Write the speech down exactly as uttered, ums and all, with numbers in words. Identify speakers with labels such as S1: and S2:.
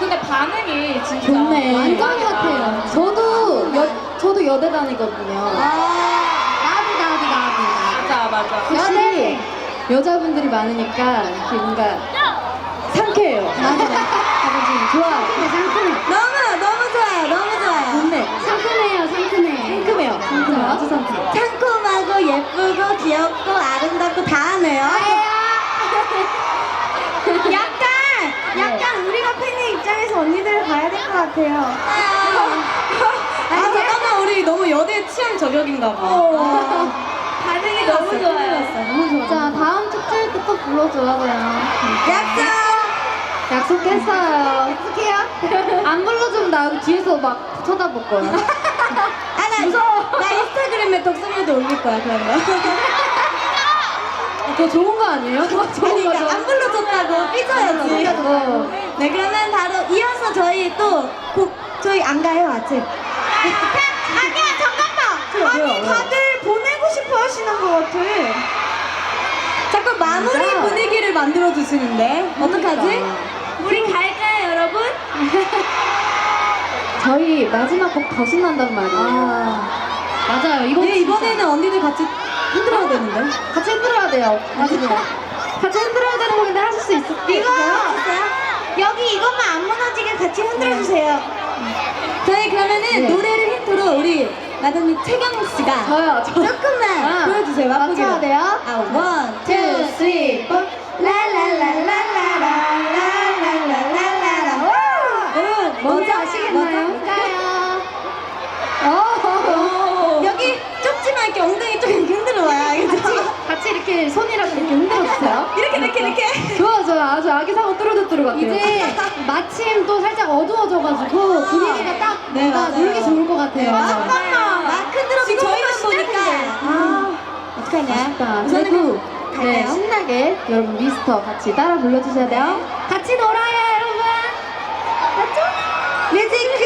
S1: 근데 반응이 진짜
S2: 좋네.
S1: 완전
S2: 핫해요. 저도 여, 저도 여대 다니거든요.
S3: 나비 나비 나비.
S1: 맞아 맞아.
S2: 확실히 여자분들이 많으니까 이렇게 뭔가 상쾌해요. 맞아요. 지금 좋아요. 상큼해.
S3: 너무 너무 좋아요. 너무 좋아요.
S2: 좋네.
S3: 상큼해요. 상큼해.
S2: 상큼해요. 상큼해요. 아주 상큼해.
S3: 상큼하고 예쁘고 귀엽고 아름답고 다 하네요. 약간 약간 우리가 팬의 입장에서 언니들을 봐야 될 것 같아요.
S1: 아 잠깐만 우리 너무 여대 취향 저격인가 봐.
S3: 반응이
S1: 너무 좋아요.
S3: 너무 좋아.
S2: 자, 다음 축제일 때 또 불러줘요.
S3: 약속.
S2: 약속했어요.
S3: 약속해요.
S2: 안 불러주면 나 여기 뒤에서 막 쳐다볼 거야.
S3: 아나
S2: 무서워.
S3: 나 인스타그램에 독서물도 올릴 거야 그런 거.
S2: 그거 좋은 거 아니에요? 그거 좋은
S3: 그러니까
S2: 거죠.
S3: 안 불러줬다고 삐져야지.
S2: 어.
S3: 네 그러면 바로 이어서 저희 또 곡 저희 안 가요 아직. 아니야 잠깐만.
S2: 왜요,
S3: 아니
S2: 왜요?
S3: 다들 보내고 싶어 하시는 것 같아. 자꾸 마무리
S2: 진짜?
S3: 분위기를 만들어 주시는데 어떡하지?
S2: 그러니까.
S3: 우리 갈까요 여러분?
S2: 저희 마지막 곡 더 신난단 말이에요. 맞아요. 이번
S3: 네 이번에는 언니들 같이 흔들어야 되는데.
S2: 같이 흔들어야 돼요. 맞아요. 같이 흔들어야 되는 곡인데 하실 수 있을까요?
S3: 이거 여기 이것만 안 무너지게 같이 흔들어 주세요. 저희 그러면은
S2: 네.
S3: 노래를 힌트로 우리 마담이 최경우 씨가
S2: 저요. 저.
S3: 조금만
S2: 아,
S3: 보여주세요. 맛보기로.
S2: 맞춰야 돼요?
S3: 아, 원, 투,
S2: two, three, four.
S3: 라라라라라라라라라라라. 여러분,
S2: 뭔지
S3: 뭐죠?
S2: 아시겠나요?
S3: 뭘까요?
S2: 어.
S3: 여기 좁지만 이렇게 엉덩이 좀 이렇게 흔들어 봐요. 알겠죠?
S2: 같이 이렇게 손이랑 이렇게 흔들어주세요.
S3: 이렇게, 이렇게, 이렇게.
S2: 좋아, 좋아. 아주 아기상어 뚜루뚜루 같아요.
S3: 이제
S2: 마침 또 살짝 어두워져가지고 분위기가 딱
S3: 네,
S2: 뭔가
S3: 맞아요.
S2: 놀기 좋을 것 같아요.
S3: 아, 잠깐만. 마크 드롭이 저희만 보니까. 아, 어떡하냐.
S2: 아쉽다.
S3: 우선은
S2: 그래도
S3: 갈까요?
S2: 네, 신나게 여러분 미스터 같이 따라 불러주셔야 돼요. 같이 놀아요, 여러분. 맞죠?
S3: 뮤직